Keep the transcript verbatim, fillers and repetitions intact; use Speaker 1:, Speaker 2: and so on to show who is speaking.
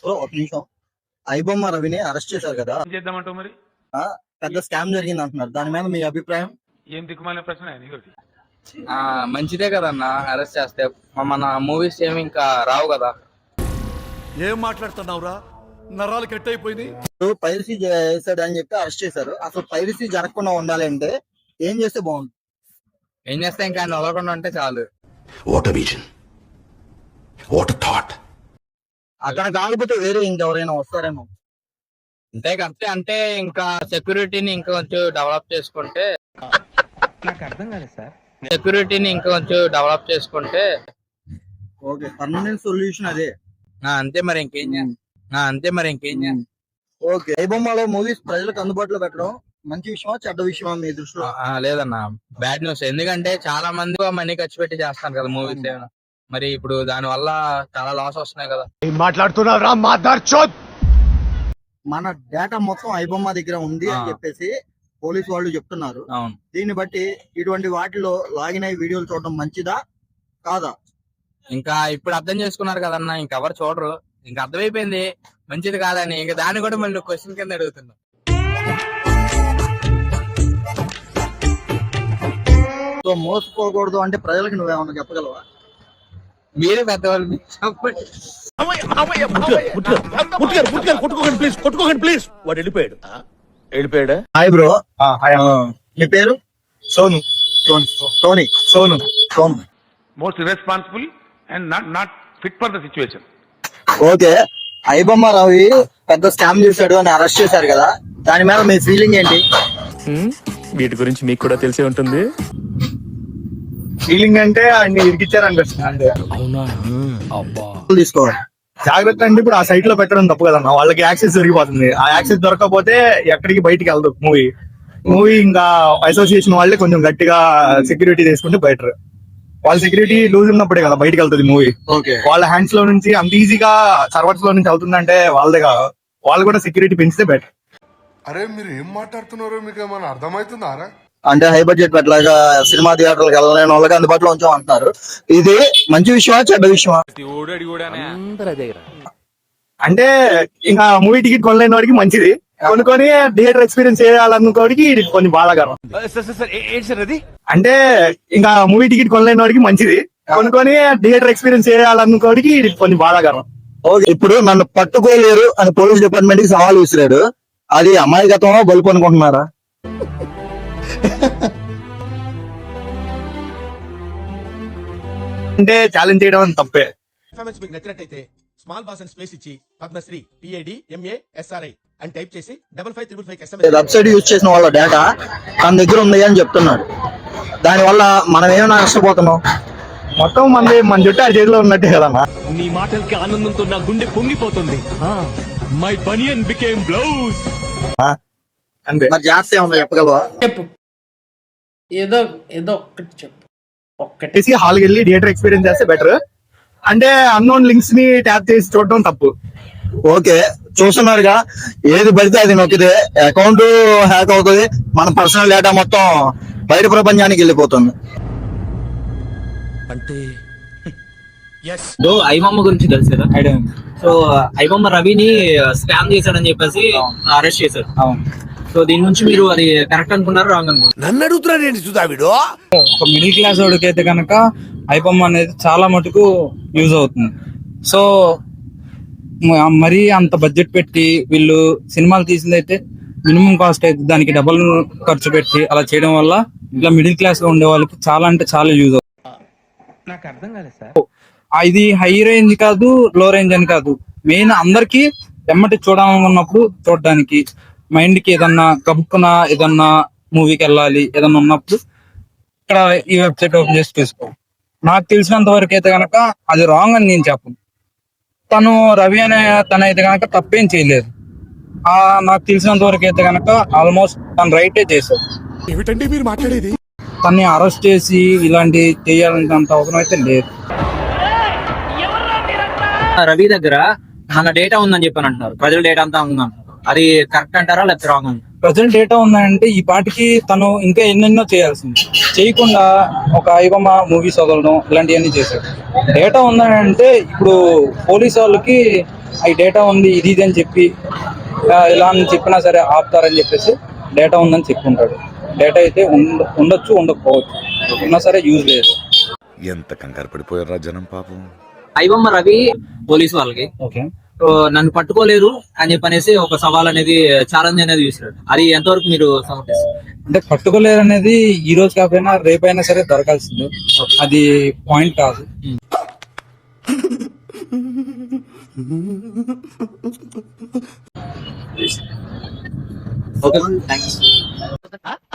Speaker 1: Bro ఒక నిమిషం. ఐబొమ్మ రవిని అరెస్ట్ చేశారు కదా,
Speaker 2: ఏం చేద్దామంటావు మరి?
Speaker 1: ఆ, పెద్ద స్కామ్ జరిగింది అంటున్నారు. దాని మీద మీ అభిప్రాయం?
Speaker 2: ఏం దిక్కుమాలిన ప్రశ్న నీకు?
Speaker 3: ఆ మంచిదే కదన్న అరెస్ట్ చేస్తే. మన మూవీస్ ఏమి ఇంకా రావు కదా.
Speaker 4: ఏం మాట్లాడుతున్నావురా, నరాలు కట్ అయిపోయింది.
Speaker 1: పైరసీ చేశాడు అని చెప్పి అరెస్ట్ చేశారు. అసలు పైరసీ జరగకుండా ఉండాలి అంటే ఏం చేస్తే బాగుంటుంది?
Speaker 3: ఏం చేస్తే ఇంకా ఆయన వదలకుండా ఉంటే చాలు.
Speaker 5: What a vision, what a thought.
Speaker 1: అక్కడ కాకపోతే వేరే ఇంకెవరైనా వస్తారేమో.
Speaker 3: అంతే అంతే అంటే ఇంకా సెక్యూరిటీని ఇంకా కొంచెం డెవలప్ చేసుకుంటే.
Speaker 6: నాకు అర్థం కాలేదు సార్.
Speaker 3: సెక్యూరిటీని ఇంకా కొంచెం డెవలప్ చేసుకుంటే
Speaker 1: ఓకే, పర్మనెంట్ సొల్యూషన్ అదే.
Speaker 3: అంతే మరి ఇంకేం చేస్తా అంతే మరి ఇంకేం చేస్తా
Speaker 1: ఓకే, ఐబొమ్మలో మూవీస్ ప్రజలకు అందుబాటులో పెట్టడం మంచి విషయమా చెడ్డ విషయమా మీ దృష్టిలో?
Speaker 3: లేదన్న, బ్యాడ్ న్యూస్. ఎందుకంటే చాలా మంది మనీ ఖర్చు పెట్టి చేస్తాను కదా మూవీస్. మరి ఇప్పుడు దాని వల్ల చాలా లాస్ వస్తున్నాయి కదా.
Speaker 4: మాట్లాడుతున్నారా మాదార్చోద్.
Speaker 1: మన డేటా మొత్తం ఐబొమ్మ దగ్గర ఉంది అని చెప్పేసి పోలీసు వాళ్ళు చెప్తున్నారు.
Speaker 3: అవును.
Speaker 1: దీన్ని బట్టి ఇటువంటి వాటిలో లాగిన్ అయ్యి వీడియోలు చూడడం మంచిదా కాదా?
Speaker 3: ఇంకా ఇప్పుడు అర్థం చేసుకున్నారు కదన్నా, ఇంకెవరు చూడరు. ఇంకా అర్థమైపోయింది మంచిది కాదని. ఇంకా దాన్ని కూడా మళ్ళీ క్వశ్చన్ కింద అడుగుతున్నా.
Speaker 1: సో మోసపోకూడదు అంటే ప్రజలకు నువ్వేమన్నా చెప్పగలవా?
Speaker 3: మీరే పెద్దవాళ్ళు, మీరు చెప్పండి.
Speaker 4: కొట్టుకోకండి ప్లీజ్, కొట్టుకోకండి ప్లీజ్. వాడు వెళ్ళిపోయాడు వెళ్ళిపోయాడా
Speaker 1: హాయ్ బ్రో. మీ పేరు?
Speaker 4: Sonu.
Speaker 1: Tony.
Speaker 4: Sonu.
Speaker 1: Sonu.
Speaker 2: Most irresponsible and not not fit for the situation.
Speaker 1: Okay, iBomma Ravi పెద్ద స్కామ్ చేశాడు అని అరెస్ట్ చేశారు కదా, దాని మీద మీ ఫీలింగ్ ఏంటి?
Speaker 7: వీటి గురించి మీకు కూడా తెలిసే ఉంటుంది.
Speaker 4: ఫీలింగ్ అంటే అన్ని ఇరికిచ్చారు అనిపిస్తుంది.
Speaker 7: అవునా? అబ్బా,
Speaker 1: తీసుకోవాలి
Speaker 4: జాగ్రత్త. అంటే ఇప్పుడు ఆ సైట్ లో పెట్టడం తప్పు కదన్న, వాళ్ళకి యాక్సెస్ దొరికిపోతుంది. ఆ యాక్సెస్ దొరకకపోతే ఎక్కడికి బయటికి వెళ్దు మూవీ. మూవీ ఇంకా అసోసియేషన్ వాళ్ళే కొంచెం గట్టిగా సెక్యూరిటీ తీసుకుంటే బెటర్. వాళ్ళ సెక్యూరిటీ లూజ్ ఉన్నప్పుడే కదా బయటకు వెళ్తుంది మూవీ. వాళ్ళ హ్యాండ్స్ లో నుంచి అంత ఈజీగా సర్వర్స్ లో నుంచి అవుతుందంటే వాళ్ళదే కాదు, వాళ్ళు కూడా సెక్యూరిటీ పెంచితే బెటర్.
Speaker 8: అరే మీరు ఏం మాట్లాడుతున్నారో మీకు ఏమైనా అర్థమవుతుందారా?
Speaker 1: అంటే హై బడ్జెట్ పెట్టలాగా సినిమా థియేటర్లకు వెళ్ళలేని వాళ్ళకి అందుబాటులో ఉంచాం అంటున్నారు. ఇది మంచి విషయమా చెడ్డ విషయమా?
Speaker 4: అంటే ఇంకా మూవీ టికెట్ కొనలేని వాడికి మంచిది, కొనుక్కొని థియేటర్ ఎక్స్పీరియన్స్ చేయాలనుకోడికి ఇది కొంచెం బాధాకరం. అంటే ఇంకా మూవీ టికెట్ కొనలేని వాడికి మంచిది, కొనుక్కొని థియేటర్ ఎక్స్పీరియన్స్ చేయాలనుకోడికి ఇది కొంచెం బాధాకరం.
Speaker 1: ఓకే, ఇప్పుడు నన్ను పట్టుకోలేరు అని పోలీస్ డిపార్ట్మెంట్ కి సవాల్ విసిరాడు. అది అమాయకత్వమా బలుపు అనుకుంటున్నారా?
Speaker 4: అంటే ఛాలెంజ్ చేయడం తప్పే.
Speaker 9: మీకు నచ్చినట్టయితే స్మాల్ బాస్ అండ్ స్పేస్ ఇచ్చి పద్మశ్రీ పిఏడి ఎంఏ ఎస్ఆర్ఐ అని టైప్ చేసి double five triple five
Speaker 1: website use చేసిన వాళ్ళ డేటా తన దగ్గర ఉంది అని చెప్తున్నాడు. దాని వల్ల మనం ఏమైనా నష్టపోతున్నాం?
Speaker 4: మొత్తం మంది మన చుట్టూ ఆ చేతిలో ఉన్నట్టే కదన్నా.
Speaker 7: నీ మాటలకి ఆనందంతో నా గుండె పొంగిపోతుంది. My banian became blouse.
Speaker 4: అంతే.
Speaker 1: మరి జాస్తి ఏమన్నా చెప్పగలవా?
Speaker 6: చెప్పు, ఏదో ఏదో ఒక్కటి చెప్పు. ఒక్కటి
Speaker 4: చేసి హాల్కి వెళ్ళి థియేటర్ ఎక్స్పీరియన్స్ చేస్తే బెటర్. అంటే అన్నోన్ లింక్స్ ని ట్యాప్ చేసి చూడటం తప్పు.
Speaker 1: ఓకే, చూస్తున్నారుగా, ఏది పడితే అది నొక్కితే అకౌంట్ హ్యాక్ అవుతుంది, మన పర్సనల్ డేటా మొత్తం బయట ప్రపంచానికి వెళ్ళిపోతుంది.
Speaker 9: అంటే
Speaker 10: ఐబొమ్మ గురించి తెలుసు కదా. సో ఐబొమ్మ రవిని స్కామ్ చేశాడని చెప్పేసి అరెస్ట్ చేశారు. సో దీని నుంచి మీరు అది కరెక్ట్ అనుకున్నారు రాంగ్ అనుకున్నారు?
Speaker 8: నన్ను అడుగుతున్నాడు ఏంటి సుధావిడు?
Speaker 11: ఒక మిడిల్ క్లాస్ వాడికి అయితే కనుక ఐబొమ్మ అనేది చాలా మటుకు యూజ్ అవుతుంది. సో మరీ అంత బడ్జెట్ పెట్టి వీళ్ళు సినిమాలు తీసిందైతే మినిమం కాస్ట్ అయితే దానికి డబుల్ ఖర్చు పెట్టి అలా చేయడం వల్ల ఇట్లా మిడిల్ క్లాస్ లో ఉండే వాళ్ళకి చాలా అంటే చాలా యూజ్ అవుతుంది.
Speaker 6: నాకు అర్థం కాలేదు సార్.
Speaker 11: ఇది హై రేంజ్ కాదు, లో రేంజ్ అని కాదు, మెయిన్ అందరికి ఎమ్మటి చూడాలనుకున్నప్పుడు చూడడానికి, మైండ్ కి ఏదన్నా కబుక్కున ఏదన్నా మూవీకి వెళ్ళాలి ఏదన్నా ఉన్నప్పుడు ఇక్కడ ఈ వెబ్సైట్ ఓపెన్ చేసి తీసుకో. నాకు తెలిసినంత వరకు అయితే కనుక అది రాంగ్ అని నేను చెప్పను. తను రవి అనే తన అయితే కనుక తప్పేం చేయలేదు. ఆ నాకు తెలిసినంత వరకు అయితే కనుక ఆల్మోస్ట్ తను రైటే చేశాడు.
Speaker 8: ఏమిటండి మీరు మాట్లాడేది?
Speaker 11: తన్ని అరెస్ట్ చేసి ఇలాంటి చేయాలంటే అవసరం అయితే లేదు.
Speaker 10: రవి దగ్గర మన డేటా ఉందని చెప్పని అంటున్నారు, ప్రజల డేటా అంతా ఉందంటున్నారు. అది కరెక్ట్ అంటారా లేకపోతే రాంగ్ అంటారా?
Speaker 11: ప్రజెంట్ డేటా ఉందంటే ఈ పాటికి తను ఇంకా ఎన్నెన్నో చేయాల్సింది, చేయకుండా ఒక ఐబొమ్మ మూవీస్ వదలడం ఇలాంటివన్నీ చేశాడు. డేటా ఉందని అంటే ఇప్పుడు పోలీస్ వాళ్ళకి ఈ డేటా ఉంది ఇది ఇది అని చెప్పి ఆ, ఇలా అని చెప్పినా సరే ఆపుతారని చెప్పేసి డేటా ఉందని చెప్పుకుంటాడు. డేటా అయితే ఉండ ఉండొచ్చు ఉండకపోవచ్చు, ఉన్నా సరే యూజ్ లేదు.
Speaker 5: ఎంత కంగారు పడిపోయారా జనం పాపం.
Speaker 10: ఐబొమ్మ రవి పోలీస్ వాళ్ళకి
Speaker 11: ఓకే,
Speaker 10: సో నన్ను పట్టుకోలేరు అని చెప్పనేసి ఒక సవాల్ అనేది ఛాలెంజ్ అనేది చూసాడు. అది ఎంతవరకు మీరు సమర్థిస్తారు?
Speaker 11: అంటే పట్టుకోలేరు అనేది ఈ రోజు కాకపోయినా రేపైనా సరే దొరకాల్సిందే, అది పాయింట్ కాదు.
Speaker 10: Okay thanks.